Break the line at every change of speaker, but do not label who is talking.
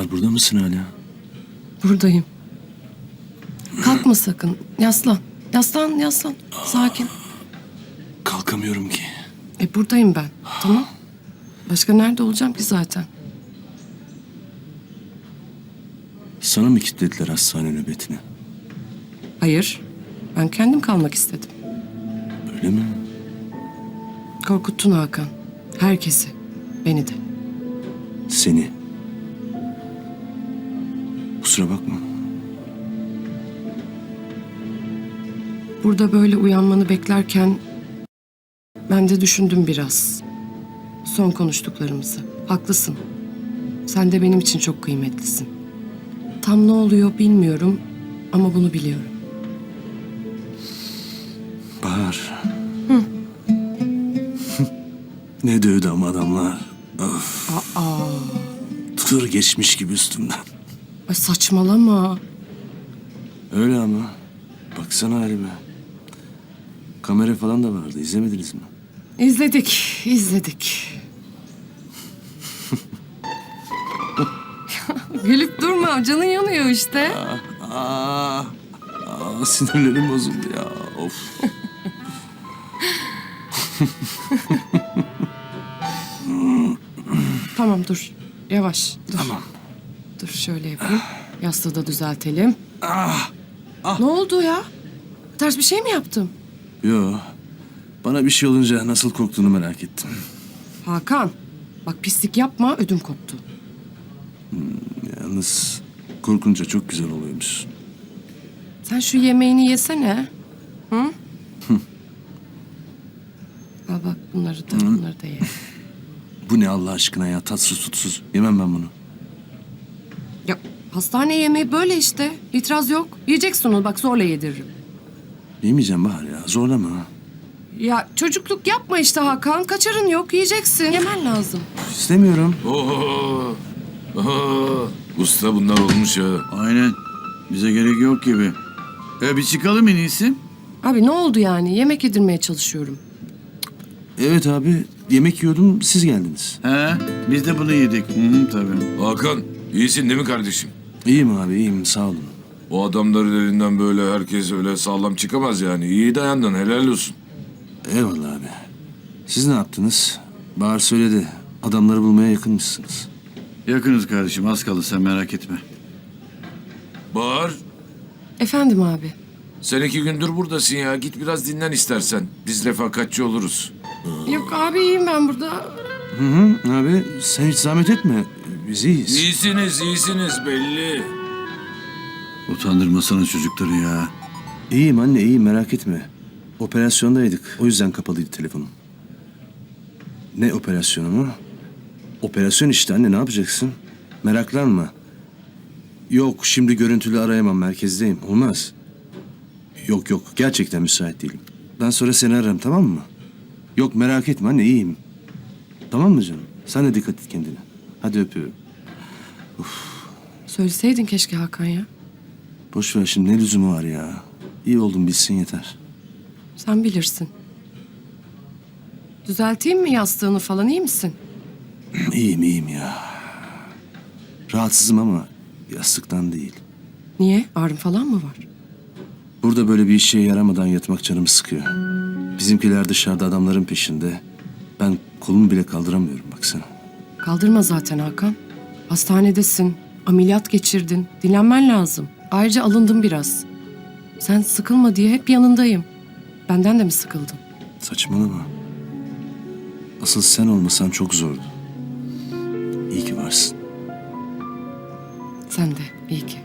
burada mısın hala?
Buradayım. Kalkma sakın. Yaslan. Yaslan, yaslan. Sakin.
Kalkamıyorum ki.
Buradayım ben. Tamam. Başka nerede olacağım ki zaten?
Sana mı kilitlediler hastane nöbetini?
Hayır. Ben kendim kalmak istedim.
Öyle mi?
Korkuttun Hakan. Herkesi. Beni de.
Seni. Kusura bakma.
Burada böyle uyanmanı beklerken ben de düşündüm biraz. Son konuştuklarımızı. Haklısın. Sen de benim için çok kıymetlisin. Tam ne oluyor bilmiyorum ama bunu biliyorum.
Bahar. Ne dövdü ama adamlar. Of. Tır geçmiş gibi üstümden.
Ay saçmalama.
Öyle ama. Baksana halime. Kamera falan da vardı. İzlemediniz mi?
İzledik, izledik. Gülüp durma, canın yanıyor işte.
Sinirlerim bozuldu ya. Of.
Tamam dur, yavaş. Dur.
Tamam.
Dur şöyle yapayım. Yastığı da düzeltelim. Ne oldu ya? Ters bir şey mi yaptım?
Yo. Bana bir şey olunca nasıl korktuğunu merak ettim.
Hakan, bak pislik yapma, ödüm koptu.
Yalnız korkunca çok güzel oluyormuş.
Sen şu yemeğini yesene. Hı? Al bak bunları da ye.
Bu ne Allah aşkına ya? Tatsız tutsuz. Yemem ben bunu.
Ya hastane yemeği böyle işte. İtiraz yok. Yiyeceksin onu bak zorla yediririm.
Yemeyeceğim Bahar ya. Zorlama.
Ya çocukluk yapma işte Hakan. Kaçarın yok. Yiyeceksin. Yemen lazım.
İstemiyorum.
Oo. Oho. Usta bunlar olmuş ya.
Aynen. Bize gerek yok gibi. Bir çıkalım en iyisi.
Abi ne oldu yani? Yemek yedirmeye çalışıyorum.
Evet abi. Yemek yiyordum. Siz geldiniz.
He, biz de bunu yedik. Hı, tabii.
Hakan iyisin değil mi kardeşim?
İyiyim abi. iyiyim. Sağ olun.
O adamların elinden böyle herkes öyle sağlam çıkamaz yani. İyi dayandın helal olsun.
Eyvallah abi. Siz ne yaptınız? Bahar söyledi. Adamları bulmaya yakınmışsınız.
Yakınız kardeşim, az kaldı, sen merak etme.
Bahar
Efendim abi.
sen 2 gündür buradasın ya. Git biraz dinlen istersen. Biz refakatçi oluruz.
Yok abi iyiyim ben burada.
Hı hı. Abi sen hiç zahmet etme. Biz iyiyiz.
İyisiniz belli.
Utandırmasana çocukları ya.
İyiyim anne. iyiyim. Merak etme. Operasyondaydık. O yüzden kapalıydı telefonum. Ne operasyonu mu? Operasyon işte anne. Ne yapacaksın? Meraklanma. Yok şimdi görüntülü arayamam. Merkezdeyim. Olmaz. Yok. Gerçekten müsait değilim. Ben sonra seni ararım tamam mı? Yok merak etme anne. iyiyim. Tamam mı canım? Sen de dikkat et kendine. Hadi öpüyorum.
Söyleseydin keşke Hakan ya.
Boş ver şimdi ne lüzumu var ya. İyi oldum bilsin yeter.
Sen bilirsin. Düzelteyim mi yastığını falan iyi misin?
İyiyim ya. Rahatsızım ama yastıktan değil.
Niye? Ağrın falan mı var?
Burada böyle bir işe yaramadan yatmak canımı sıkıyor. Bizimkiler dışarıda adamların peşinde. Ben kolumu bile kaldıramıyorum baksana.
Kaldırma zaten Hakan. Hastanedesin. Ameliyat geçirdin. Dinlenmen lazım. Ayrıca alındım biraz. Sen sıkılma diye hep yanındayım. Benden de mi sıkıldın?
Saçmalama. Asıl sen olmasan çok zordu. İyi ki varsın.
Sen de iyi ki.